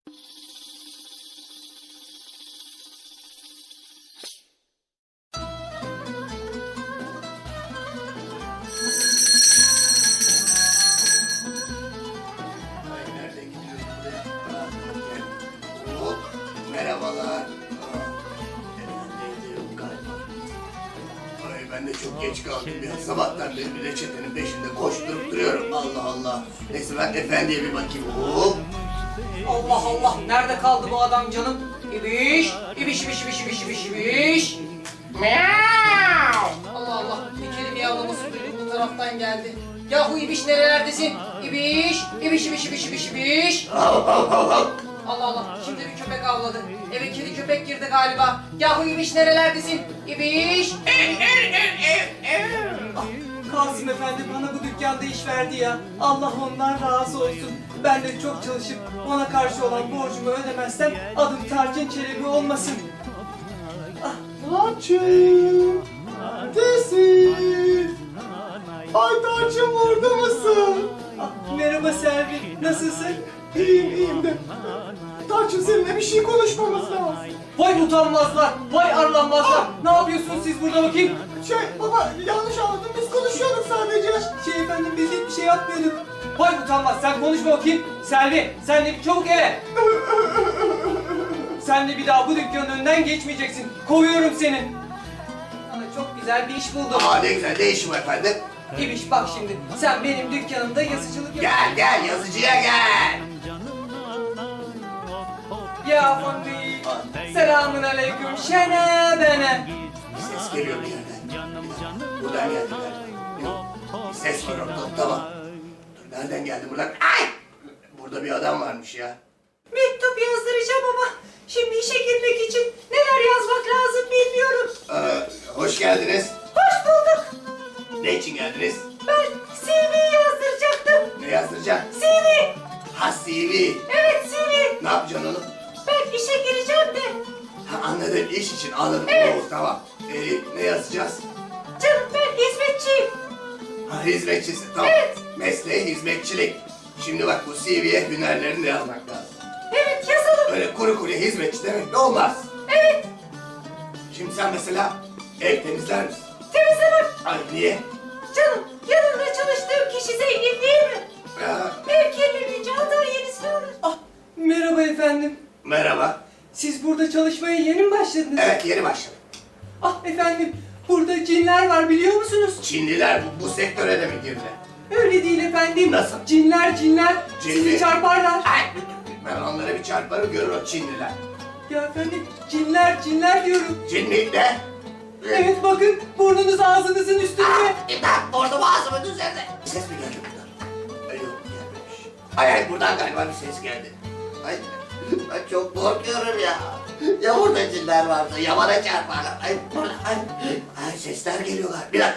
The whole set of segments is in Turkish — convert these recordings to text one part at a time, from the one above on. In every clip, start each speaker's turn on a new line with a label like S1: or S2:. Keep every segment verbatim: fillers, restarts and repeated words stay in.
S1: Merhabalar. Efendi yok galiba. Ay ben de çok geç kaldım ya. Sabahtan beri bir reçetenin peşinde koşturup duruyorum. Allah Allah. Neyse ben efendiye bir bakayım. Hop.
S2: Allah Allah, nerede kaldı bu adam canım? İbiş, ibiş, ibiş, ibiş, ibiş, ibiş, ibiş. Miau! Allah Allah, bir kere bir yavrumuz bu taraftan geldi. Yahu ibiş nerelerdesin? İbiş, ibiş, ibiş, ibiş, ibiş, ibiş.
S1: Hav hav hav hav.
S2: Allah Allah, şimdi bir köpek avladı. Eve kedi köpek girdi galiba. Yahu ibiş nerelerdesin? İbiş.
S3: Ah, Kasım Efendi bana bu dükkanda iş verdi ya. Allah ondan razı olsun. Ben de çok çalışıp ona karşı olan borcumu ödemezsem adım Tarçın Çelebi olmasın. Ah, Tarçın! Neredesin? Ay Tarçın burada mısın? Ah, merhaba Selvi, nasılsın? İyiyim, iyiyim de. Tarçın seninle bir şey konuşmamız lazım.
S2: Vay utanmazlar, vay arlanmazlar. Ne yapıyorsunuz siz burada bakayım?
S3: Şey baba yanlış anladın, biz konuşuyorduk sadece. Şey efendim biz hiçbir şey yapmıyorduk.
S2: Vay utanmaz, sen konuşma bakayım. Selvi, sen de çabuk eve. Sen de bir daha bu dükkanın önünden geçmeyeceksin. Kovuyorum seni. Sana çok güzel bir iş buldum.
S1: Aa ne güzel. Ne işim efendim?
S2: İbiş bak şimdi, sen benim dükkanımda yazıcılık yap.
S1: Gel gel yazıcıya gel.
S2: Ya Fandi, selamun aleyküm şene bene.
S1: Bir ses geliyor bir yerden. Buradan geldi galiba. Yok. Bir ses var orada. Tamam. Dur nereden geldi buradan? Ay! Burada bir adam varmış ya.
S2: Mektup yazdıracağım ama şimdi işe girmek için neler yazmak lazım bilmiyorum.
S1: Ee, hoş geldiniz.
S2: Hoş bulduk.
S1: Ne için geldiniz?
S2: Ben C V yazdıracaktım.
S1: Ne yazdıracaksın?
S2: C V.
S1: Ha C V.
S2: Evet C V.
S1: Ne yapacaksın onu?
S2: Ben işe gireceğim de.
S1: Ha anladım. İş için anladım.
S2: Evet.
S1: Oo, tamam. Ee, ne yazacağız?
S2: Canım ben hizmetçiyim.
S1: Ha hizmetçisin. Tamam.
S2: Evet.
S1: Mesleği hizmetçilik. Şimdi bak bu C V'ye hünerlerini de yazmak lazım.
S2: Evet yazalım.
S1: Öyle kuru kuru hizmetçi demek de olmaz.
S2: Evet.
S1: Şimdi sen mesela ev temizler misin?
S2: Temizlemem.
S1: Ay niye?
S2: Canım yanımda çalıştığım kişi zengin değil mi?
S1: Ya,
S2: Ev kirlenince atar yenisini alır.
S3: Ah, merhaba efendim.
S1: merhaba.
S3: Siz burada çalışmaya yeni mi başladınız?
S1: Evet yeni başladım.
S3: Ah efendim, burada cinler var biliyor musunuz?
S1: Çinliler bu, bu sektöre de mi girdi?
S3: Öyle değil efendim.
S1: Nasıl?
S3: Cinler cinler
S1: Cinli.
S3: sizi çarparlar.
S1: Ay, ben onlara bir çarparım görür o Çinliler.
S3: Ya efendim, cinler cinler diyorum.
S1: Çinli ne?
S3: Evet bakın, burnunuz ağzınızın üstünde.
S1: İmdat burnum ağzımın üzerinde. Ses mi geldi buradan? Ay yok gelmemiş. Ay ay buradan galiba bir ses geldi. Ay ben çok korkuyorum ya. Ya burada cinler varsa ya bana çarparlar. Ay burada ay, ay sesler geliyorlar. Bir dakika.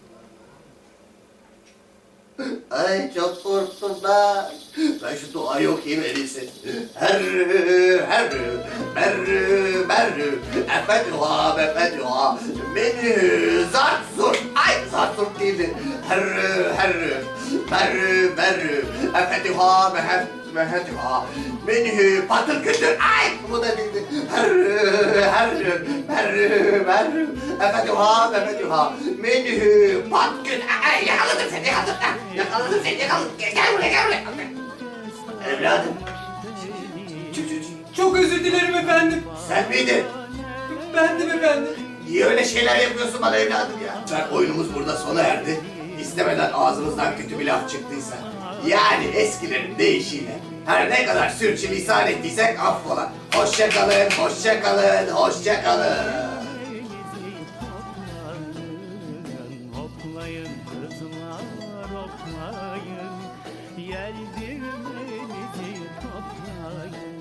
S1: Ay çok korktum ben. Ben şu duayı okuyayım en iyisi. Herrü, herrü, merrü, merrü, efetüha, mefetüha, menü, zart zurt. Ay zart zurt değildi. Herrü, herrü, merrü, merrü, efetüha, mehem, mehetüha, menü, patır kütür. Ay bu da değildi. Herrü, herrü, merrü, merrü, efetüha, mefetüha, menü, pat kütür. Ay yakaladım seni, yakaladım. Yakaladım seni, yakaladım. Gel, gel buraya, gel buraya. Evladım,
S3: Çok özür dilerim efendim.
S1: sen miydin?
S3: Bendim efendim.
S1: Niye öyle şeyler yapıyorsun bana evladım ya? Sen oyunumuz burada sona erdi. İstemeden ağzımızdan kötü bir laf çıktıysa, yani eskilerin deyişiyle her ne kadar sürçülisan ettiysek affola. Hoşça kalın, hoşça kalın, hoşça kalın.
S4: Hoplayın kızlar hoplayın, yer dirmenizi toplayın.